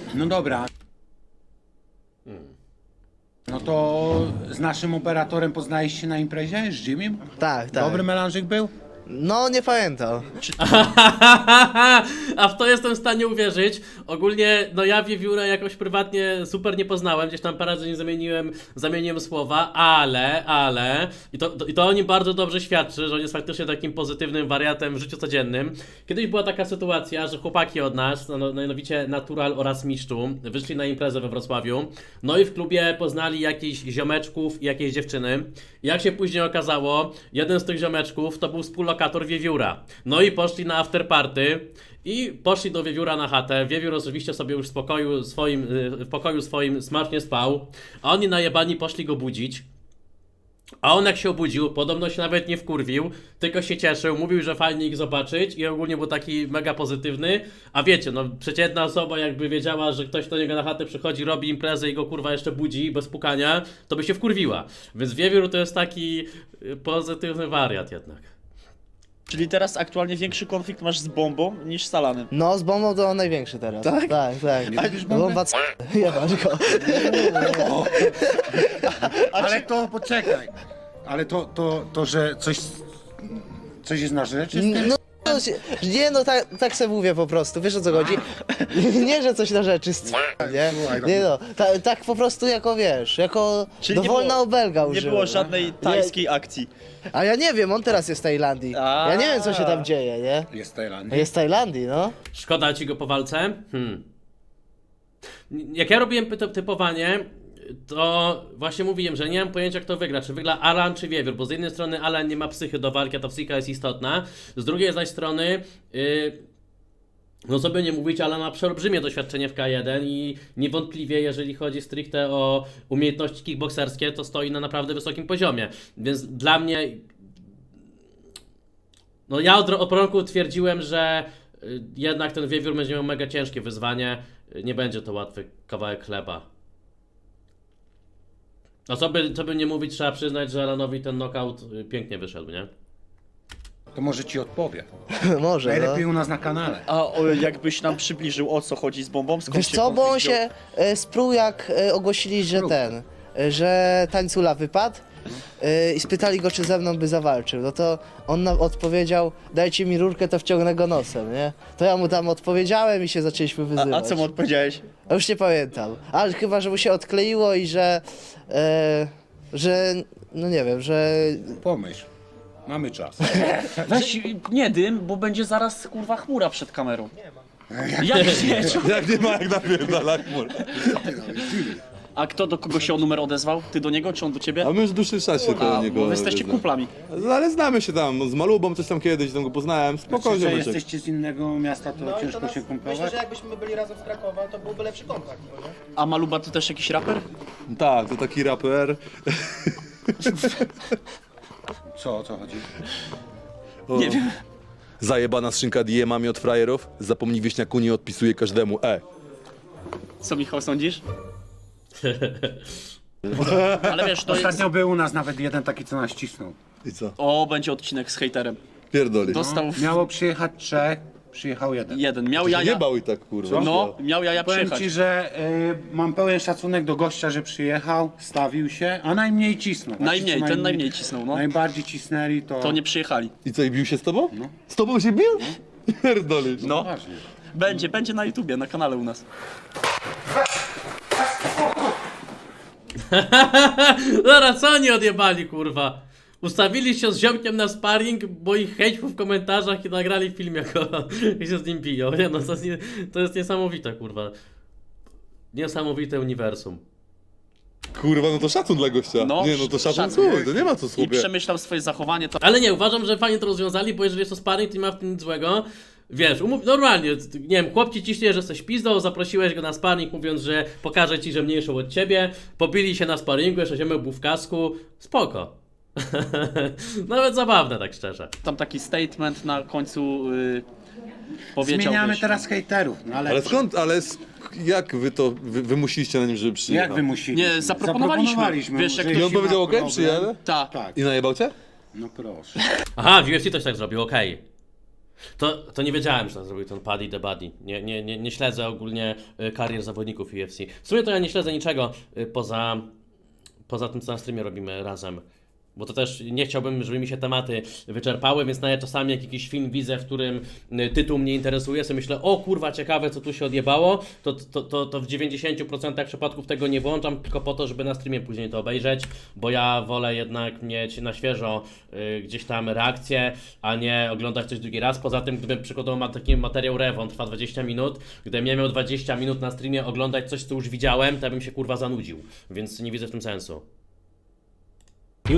No dobra. No to z naszym operatorem poznałeś się na imprezie? Z Jimmym? Tak, tak. Dobry melanżyk był? No, nie pamiętam. A w to jestem w stanie uwierzyć. Ogólnie, no ja Wiewióra jakoś prywatnie super nie poznałem, gdzieś tam parę razy nie zamieniłem słowa, ale, i to o nim bardzo dobrze świadczy, że on jest faktycznie takim pozytywnym wariatem w życiu codziennym. Kiedyś była taka sytuacja, że chłopaki od nas, no, mianowicie Natural oraz Miszczu, wyszli na imprezę we Wrocławiu, no i w klubie poznali jakichś ziomeczków i jakieś dziewczyny. I jak się później okazało, jeden z tych ziomeczków to był współlokator Wiewióra. No i poszli na afterparty i poszli do Wiewióra na chatę. Wiewiór oczywiście sobie już w pokoju swoim smacznie spał, a oni najebani poszli go budzić. A on jak się obudził, podobno się nawet nie wkurwił, tylko się cieszył, mówił, że fajnie ich zobaczyć i ogólnie był taki mega pozytywny. A wiecie, no przeciętna osoba jakby wiedziała, że ktoś do niego na chatę przychodzi, robi imprezę i go kurwa jeszcze budzi bez pukania, to by się wkurwiła. Więc Wiewiór to jest taki pozytywny wariat jednak. Czyli teraz aktualnie większy konflikt masz z bombą niż z Salanem. No, z bombą to on największy teraz. Tak? Tak, tak. Nie lubisz bomby? Bomba jebać go. Ale to, poczekaj. Ale to że coś jest na rzeczy? No, nie no, tak sobie mówię po prostu, wiesz o co chodzi? Nie, że coś na rzeczy, nie? Nie no, tak po prostu jako wiesz, jako Czyli dowolna obelga Nie użyłem. było żadnej tajskiej akcji. A ja nie wiem, on teraz jest w Tajlandii. Ja nie wiem co się tam dzieje, nie? Jest Tajlandia. Jest w Tajlandii, no. Szkoda ci go po walce? Jak ja robiłem typowanie, to właśnie mówiłem, że nie mam pojęcia kto wygra, czy wygra Alan czy Wiewiór, bo z jednej strony Alan nie ma psychy do walki, a ta psychika jest istotna, z drugiej zaś strony no co by nie mówić, Alan ma przeolbrzymie doświadczenie w K1 i niewątpliwie jeżeli chodzi stricte o umiejętności kickbokserskie, to stoi na naprawdę wysokim poziomie, więc dla mnie no ja od początku twierdziłem, że jednak ten Wiewiór będzie miał mega ciężkie wyzwanie, nie będzie to łatwy kawałek chleba. No co by nie mówić, trzeba przyznać, że Alanowi ten knockout pięknie wyszedł, nie? To może ci odpowie. Może, Najlepiej no. u nas na kanale. A jakbyś nam przybliżył o co chodzi z bombą? Skąd Wiesz się co, bo on konflikt wziął? się sprół jak ogłosili, że że tańcula wypadł i spytali go, czy ze mną by zawalczył. No to on nam odpowiedział, dajcie mi rurkę, to wciągnę go nosem, nie? To ja mu tam odpowiedziałem i się zaczęliśmy wyzywać. A co mu odpowiedziałeś? A już nie pamiętam. Ale chyba, że mu się odkleiło i że no nie wiem, że Pomyśl. Mamy czas. Weź nie dym, bo będzie zaraz kurwa chmura przed kamerą. Jak nie? Jak nie ma, jak napierdala chmur. A kto do kogo się o numer odezwał? Ty do niego czy on do ciebie? A my już w dłuższym czasie do A, niego... bo wy jesteście kumplami. Ale znamy się tam, z Malubą coś tam kiedyś, tam go poznałem, Czy spokojnie że będzie. jesteście z innego miasta, to ciężko się Myślę, kumplować? że jakbyśmy byli razem z Krakowa, to byłby lepszy kontakt. No nie? A Maluba to też jakiś raper? Tak, to taki raper. Co, o co chodzi? Nie wiem. Zajebana skrzynka DM-ami od frajerów, zapomnij wieśniaku, nie odpisuje każdemu, Co Michał sądzisz? Ale wiesz, to jest... Ostatnio był u nas nawet jeden taki, co nas cisnął. I co? O, będzie odcinek z hejterem. Pierdoli. Dostał Miało przyjechać 3, przyjechał jeden. jeden. Miał Nie jaja. bał i tak, kurwa. No, miał jaja Powiem przyjechać. ci, że mam pełen szacunek do gościa, że przyjechał, stawił się, a najmniej cisnął. A ci, Najmniej, co ten najmniej cisnął, no. Najbardziej cisnęli to... To nie przyjechali. I co, i bił się z tobą? No. Z tobą się bił? Pierdoli. No, Poważnie. będzie na YouTubie, na kanale u nas. Zaraz, co oni odjebali, kurwa? Ustawili się z ziomkiem na sparring, bo ich hejtów w komentarzach i nagrali film, jak się z nim biją. Nie no, to jest niesamowite, kurwa. Niesamowite uniwersum. Kurwa, no to szacun dla gościa. No, Nie, no to szacun szacun. słowy, to nie ma co I sobie. przemyślał swoje zachowanie, to... Ale nie, uważam, że fajnie to rozwiązali, bo jeżeli jest to sparring, to nie ma w tym nic złego. Wiesz, normalnie, nie wiem, chłop ci ciśnie, że jesteś pizdą, zaprosiłeś go na sparring, mówiąc, że pokaże ci, że mniejszą od ciebie, pobili się na sparringu, jeszcze ziomek był w kasku, spoko. Nawet zabawne, tak szczerze. Tam taki statement na końcu powiedział, Zmieniamy wiesz, teraz hejterów, no Ale skąd, jak wy to wymusiliście na nim, żeby przyjechał? Jak wymusili? Nie, zaproponowaliśmy. Wiesz, jak że to- I on jeśli powiedział ma okej, problem- przyjadę? Tak. Tak, I najebał cię? no proszę. Aha, w UFC też tak zrobił, okej. To nie wiedziałem, że tak zrobił ten Paddy the Buddy. Nie śledzę ogólnie karier zawodników UFC. W sumie to ja nie śledzę niczego poza tym, co na streamie robimy razem. Bo to też nie chciałbym, żeby mi się tematy wyczerpały, więc nawet czasami jak jakiś film widzę, w którym tytuł mnie interesuje, sobie myślę, o kurwa, ciekawe co tu się odjebało, to w 90% przypadków tego nie włączam, tylko po to, żeby na streamie później to obejrzeć, bo ja wolę jednak mieć na świeżo gdzieś tam reakcję, a nie oglądać coś drugi raz. Poza tym, gdybym przykładowo taki materiał Rewon trwa 20 minut, gdybym ja miał 20 minut na streamie oglądać coś, co już widziałem, to ja bym się kurwa zanudził, więc nie widzę w tym sensu.